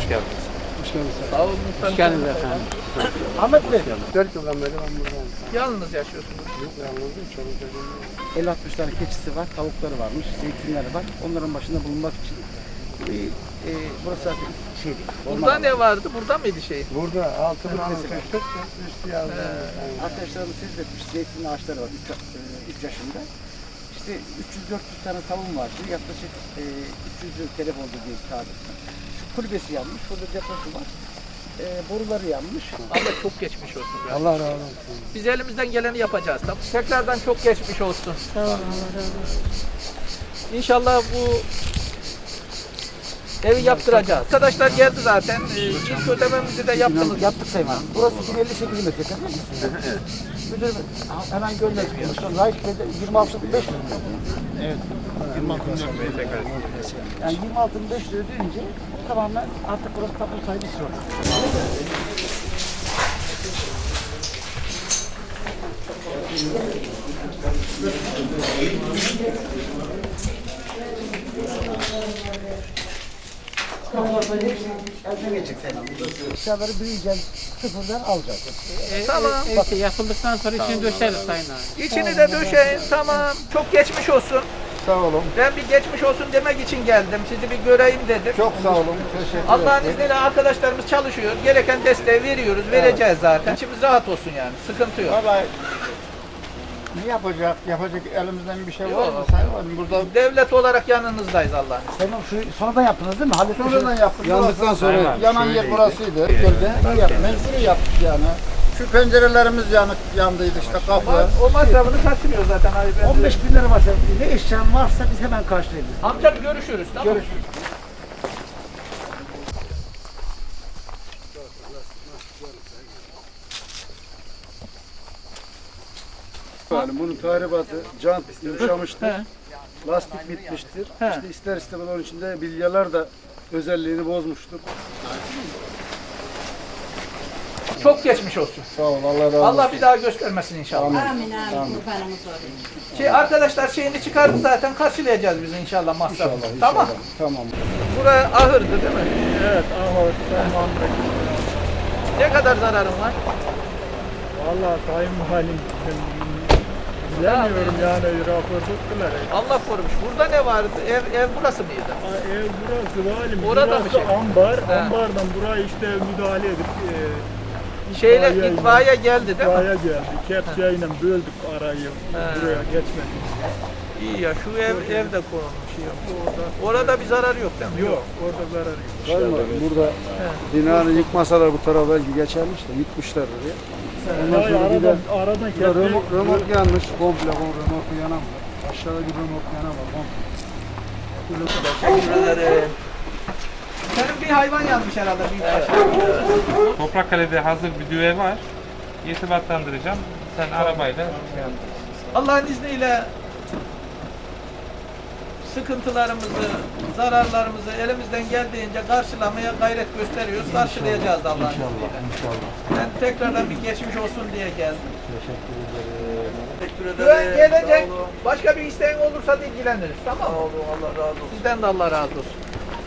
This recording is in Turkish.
geldiniz. Hoş geldiniz. Sağ olun muhtarım. Hoş geldiniz efendim. Ahmet Bey. 4 yıldan beri ben buradayım. Yalnız yaşıyorsunuz. Yok yalnızım. Çoluk çocuğum yok. 50-60 tane keçisi var, tavukları varmış, zeytinleri var. Onların başında bulunmak için burası zaten şeydi. Burada ne vardı? Burada mıydı şey? Burada altını Kırmızı. kestik, üstü yazdı. Arkadaşlarımız siz etmiş, zeytin ağaçları var 3 yaşında. İşte 300-400 tane tavuğum vardı. Yaklaşık 300 yıl telef oldu diye tabir. Şu kulübesi yanmış, şurada deposu var. Boruları yanmış. Allah çok geçmiş olsun. Ya. Allah razı olsun. Biz elimizden geleni yapacağız. Tamam. Tekrardan çok geçmiş olsun. Sağ olun, Allah razı olsun. İnşallah bu evi yaptıracağız. Arkadaşlar geldi zaten. İlk ödememizi de yaptınız. Yaptık Sayın Hanım. Burası 1058 metrekare. Müdür hemen gönderdik. Raik Bey'de 26.500 Evet. 26.400 metrekare. Yani 26.500 ödeyince tamamen artık burası tapu sahibi istiyor. Elden geçecek Sayın Hanım. Eşyaları büyüyeceğiz, sıfırdan alacağız. Tamam. Yapıldıktan sonra içini döşeriz Sayın Hanım. İçini de döşeyin. Tamam. Çok geçmiş olsun. Sağ olun. Ben bir geçmiş olsun demek için geldim. Sizi bir göreyim dedim. Çok sağ olun. Teşekkür ederim. Allah'ın izniyle arkadaşlarımız çalışıyor. Gereken desteği veriyoruz. Vereceğiz zaten. İçimiz rahat olsun yani. Sıkıntı yok. Vallahi ne yapacak? Yapacak elimizden bir şey var mı Yok. Sayın Valim? Burada Devlet olarak yanınızdayız Allah'ın izniyle. Sayın Hanım şu sonradan yaptınız değil mi? Halletmişsiniz. sonradan yaptık. Yandıktan sonra Aynen, yanan yer şöyleydi. burasıydı. Gölge. Mecburi yaptık yani. Şu pencerelerimiz yandıydı işte kapı. O masrafını kaçırıyor zaten abi. 15.000 lira varsa, ne eşyan varsa biz hemen karşılayabiliriz. Amcam görüşürüz. Tamam. Görüşürüz. Yani bunun tahribatı, jant yumuşamıştır, He. lastik bitmiştir. He. İşte ister istemez onun içinde bilyalar da özelliğini bozmuştur. Çok geçmiş olsun. Sağ ol, Allah razı olsun. Allah bir daha göstermesin inşallah. Amin. Amin amin kurbanımız olayım. Arkadaşlar şeyini çıkardı zaten karşılayacağız biz inşallah masrafını. İnşallah, Tamam. inşallah. Tamam. Buraya ahırdı değil mi? Evet, ahır, tamam. Ne kadar zararın var? Vallahi Sayın Valim, bilemiyorum yani rapor tuttular. Allah korumuş. Burada ne vardı? Ev burası mıydı? Ev burası Valim, Orada mı burası şey? ambar, He. ambardan buraya işte müdahale edip Şeyle itfaiye geldi değil mi? itfaiye geldi. Kepçeyle böldük arayı He. buraya geçmek için. İyi ya şu evde konulmuş ya. Orada bir zarar yok değil mi? Yok, orada zarar yok. Sayın Valim, burada binanı yıkmasalar bu tarafa belki geçermiş de yıkmışlar oraya. Ondan Hayır, sonra bir de aradan burada kepçe... römork yanmış komple, römorku yanan var. Aşağıda bir römork yanan var komple. Teşekkür ederim. Senin bir hayvan yanmış herhalde büyükbaş. Toprakkale'de hazır bir düve var. İrtibatlandıracağım. Sen arabayla şey yap. Allah'ın izniyle sıkıntılarımızı, zararlarımızı elimizden geldiğince karşılamaya gayret gösteriyoruz. Karşılayacağız da Allah'ın izniyle. Ben tekrardan bir geçmiş olsun diye geldim. Teşekkür Güven gelecek. Başka bir isteğin olursa da ilgileniriz. Tamam mı? Allah razı olsun. Sizden de Allah razı olsun.